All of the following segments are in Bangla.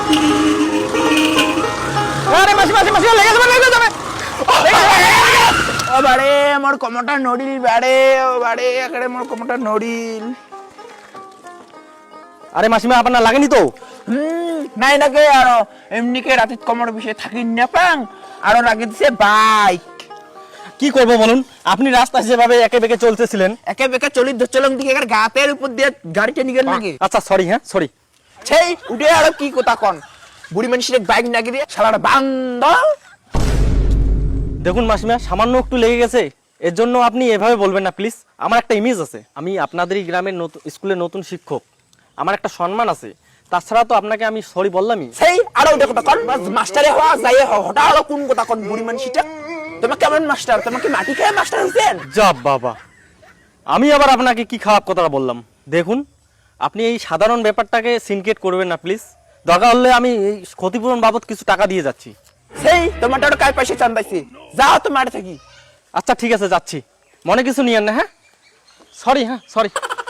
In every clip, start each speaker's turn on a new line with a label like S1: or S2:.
S1: আরে মাসি মাসি মাসি লেগে যাবে
S2: ও বাড়ে মোর কমটা নড়িল বাড়ে, ও বাড়ে এখানে মোর কমটা নড়িল।
S1: আরে মাসিমা আপনার লাগেনি তো?
S2: নাই নাকি আরো এমনিকে রাতে কমর বিষয়ে থাকি না পাং আরো লাগে দিছে বাইক।
S1: কি করবো বলুন, আপনি রাস্তায় যেভাবে একে বেঁকে চলতেছিলেন।
S2: একে বেকা চলি ধরছিলাম দিকে গাতের উপর দিয়ে গাড়িটা নিয়ে গেল নাকি?
S1: আচ্ছা সরি, হ্যাঁ সরি।
S2: সেই উঠে আরো কি কথা কন, বুড়ি মানুষের বাইক নাকি দিয়ে শালাটা বান্দ।
S1: দেখুন মাসিমা, সামান্য একটু লেগে গেছে, এর জন্য আপনি এভাবে বলবেন না প্লিজ। আমার একটা ইমেজ আছে, আমি আপনাদেরই গ্রামের স্কুলের নতুন শিক্ষক, আমার একটা সম্মান আছে। তাছাড়া তো আপনাকে আমি সরি বললামই।
S2: সেই আরো উঠে কথা কন, মাস্টারে হওয়া যাই হঠাৎ আরো কোন কথা কন বুড়ি মানুষটা। তোমার কেমন মাস্টার, তোমার কি মাটি খেয়ে মাস্টার হয়েছেন?
S1: যাব বাবা, আমি আবার আপনাকে কি খারাপ কথা বললাম? দেখুন, আপনি এই সাধারণ ব্যাপারটাকে সিনকেট করবেন না প্লিজ। দরকার হলে আমি এই ক্ষতিপূরণ বাবদ কিছু টাকা দিয়ে যাচ্ছি।
S2: সেই তোমারটা ওটা কার পয়সা চান্দাইছি, যাও তো মাঠে থাকি।
S1: আচ্ছা ঠিক আছে, যাচ্ছি, মনে কিছু নিয়েন না। হ্যাঁ সরি, হ্যাঁ সরি।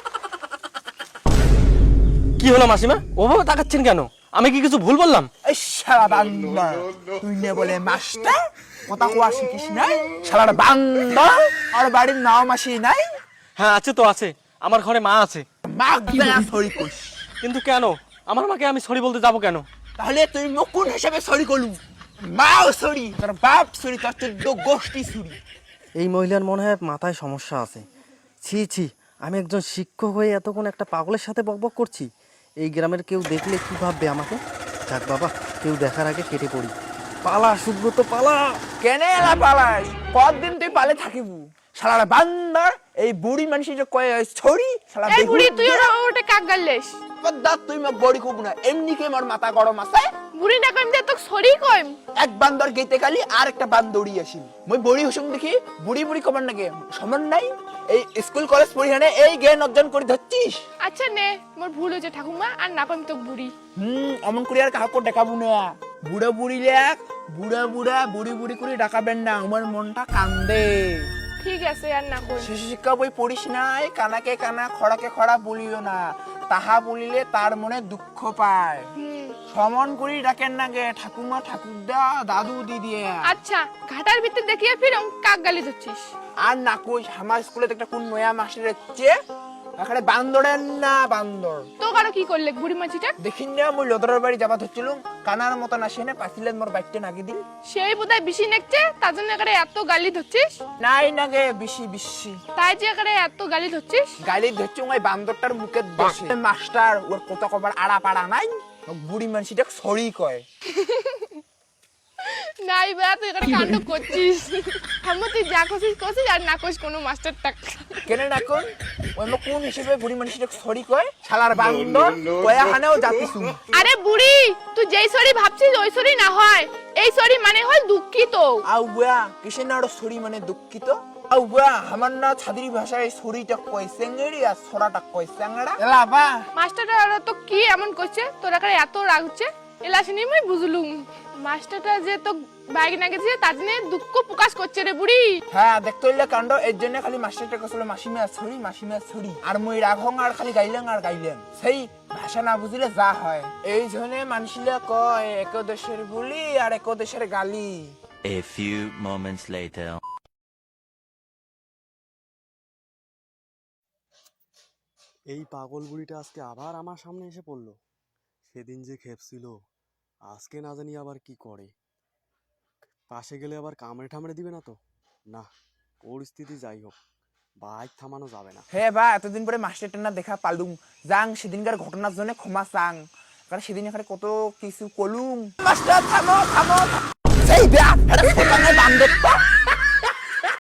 S1: কি হলো মাসিমা, ওভাবে তাকাচ্ছেন কেন? আমি কি কিছু ভুল বললাম?
S2: এই শালা বান্দর, তুই নে বলে মাস্টার কথা কোয়া শিখিস নাই? শালার বান্দর, আর বাড়ির নাও মাসি নাই?
S1: হ্যাঁ আছে তো, আছে, আমার ঘরে মা আছে।
S2: মা দেয়া সরি কইস,
S1: কিন্তু কেন? আমার মাকে আমি সরি বলতে যাব কেন?
S2: তাহলে তুই মুকুন হিসেবে সরি করলু? মাও সরি, তোর বাপ সরি, তোর 14 গোষ্ঠী সরি।
S1: এই মহিলার মনে হয় মাথায় সমস্যা আছে। ছি ছি, আমি একজন শিক্ষক হয়ে এতক্ষণ একটা পাগলের সাথে বকবক করছি। এই গ্রামের কেউ দেখলে কি ভাববে আমাকে? যাক বাবা, কেউ দেখার আগে কেটে পড়ি। পালা সুব্রত পালা।
S2: কেনে এলা পালাস? কতদিন তুই পালে থাকিব? শালার বান্দর, এই বুড়ি মানুষ যে কয় সরি, শালা
S3: এই বুড়ি তুই ওটা কাক গাললেস?
S2: দাঁত তুই মোক বড়ি খুব না, এমনি কে মোর মাথা গরম আছে।
S3: বুড়ি না কইম দে তোক সরি কইম।
S2: এক বান্দর গেতে কালি আর একটা বান্দরি আসিল, মই বড়ি হসুম দেখি বুড়ি বুড়ি কমান নাকি সমান নাই। এই স্কুল কলেজ পড়ি হানে এই জ্ঞান অর্জন করে ধরছিস।
S3: আচ্ছা নে, মোর ভুল হয়েছে ঠাকুমা, আর না কইম তোক বুড়ি।
S2: অমন করে আর কাউকে দেখাবো না। বুড়া বুড়ি লেখ, বুড়া বুড়া বুড়ি বুড়ি করে ডাকাবেন না, আমার মনটা কান্দে।
S3: ঠিক আছে, আর না কইম।
S2: শিশু শিক্ষা বই পড়িস নাই, কানাকে কানা খড়াকে খড়া বলিও না, তাহা বলিলে তার মনে দুঃখ পায়। সমন করি ডাকেন না গে ঠাকুমা ঠাকুরদা দাদু দিদি।
S3: আচ্ছা, ঘাটার ভিতর দেখিয়ে ফিরম কাক গালি ধরছিস।
S2: আর না কই, আমার স্কুলে একটা কোন নয়া মাস্টার হচ্ছে, এখানে বান্দরের না বান্দর।
S3: তো কারো কি করলে বুড়ি মাছিটা?
S2: দেখিন না মই লদরের বাড়ি যাবা ধরছিলুম, কানার মতন আসে না পাছিলেন মোর বাইকটা নাগি দিল।
S3: সেই বোধহয় বেশি নেকছে, তার জন্য এখানে এত গালি ধরছিস।
S2: নাই নাগে বেশি বেশি
S3: তাই যে এখানে এত গালি ধরছিস।
S2: গালি ধরছি ওই বান্দরটার মুখে বসে। মাস্টার ওর কত কবার আড়া পাড়া নাই, বুড়ি মানুষটা সরি কয়।
S3: নাই বা তুই এখানে কাণ্ড করছিস। আমার তুই যা করছিস করছিস, আর না করিস কোনো মাস্টার টাক।
S2: কেন না কোন ওই মো কোন হিসেবে বুড়ি মানুষটা সরি কয়? শালার বান্দর কয়া হানেও জাতিছু।
S3: আরে বুড়ি, তুই যেই সরি ভাবছিস ওই সরি না হয়, এই সরি মানে হয় দুঃখিত।
S2: আউ বুয়া কিসের না ওর সরি মানে দুঃখিত? আউ বুয়া আমার না ছাদির ভাষায় সরিটা কয় সেঙ্গেড়ি, আর সরাটা কয় স্যাংড়া। এলা বা
S3: মাস্টারটা তো কি এমন করছে, তোর এখানে এত রাগ হচ্ছে, এলা শুনি আমি বুঝলুম। মাস্টারটা যে তো বাইক না গেছে তার জন্য দুঃখ প্রকাশ করছে রে বুড়ি।
S2: হ্যাঁ দেখতে হইলে কাণ্ড, এর জন্য খালি মাস্টারটা কছিল মাসিমা সরি মাসিমা সরি, আর মই রাঘং আর খালি গাইলেন আর গাইলেন। সেই ভাষা না বুঝিলে যা হয়, এই জন্য মানুষিলে কয় এক দেশের বুলি আর এক দেশের গালি।
S4: A few moments later.
S5: এই পাগল বুড়িটা আজকে আবার আমার সামনে এসে পড়লো। সেদিন যে খেপছিল, আজকে না জানি আবার কি করে। পাশে গেলে আবার কামড়ে ঠামড়ে দিবে না তো? না, পরিস্থিতি যাই হোক, বাইক থামানো যাবে না।
S2: হে বা এতদিন পরে মাস্টারটা না দেখা পালুম, যাং সেদিনকার ঘটনার জন্য ক্ষমা চাং, কারণ সেদিন এখানে কত কিছু কলুম। মাস্টার থামো থামো, সেই ব্যাগ এটা বান্দরটা